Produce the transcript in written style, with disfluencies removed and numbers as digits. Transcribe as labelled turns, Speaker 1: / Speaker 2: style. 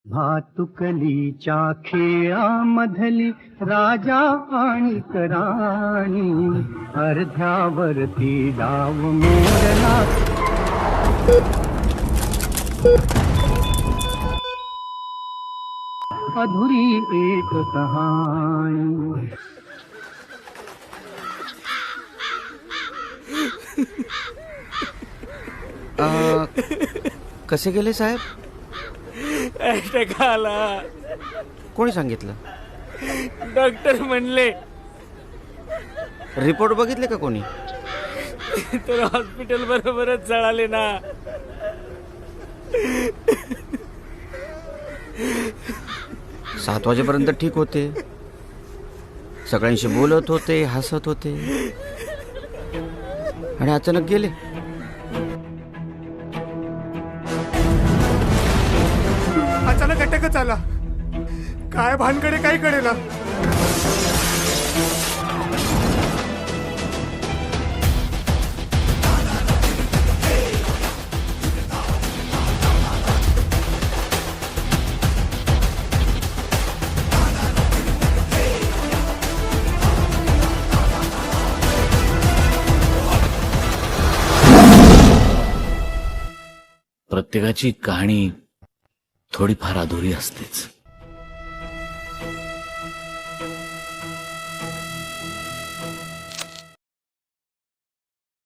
Speaker 1: भातुकलीच्या खेळामधली राजा आणि राणी, अर्ध्यावरती डाव मोडला. अधुरी एक कहाणी.
Speaker 2: कसे गेले साहेब?
Speaker 3: अटॅक आला.
Speaker 2: कोणी सांगितलं?
Speaker 3: डॉक्टर म्हणले.
Speaker 2: रिपोर्ट बघितले का कोणी?
Speaker 3: तर हॉस्पिटल बरोबरच जळाले ना.
Speaker 2: 7 वाजेपर्यंत ठीक होते, सगळ्यांशी बोलत होते, हसत होते, आणि अचानक गेले.
Speaker 4: अचानक अटॅकच आला. काय भानकडे काय कळेना.
Speaker 5: प्रत्येकाची कहाणी थोडीफार अधुरी असतेच.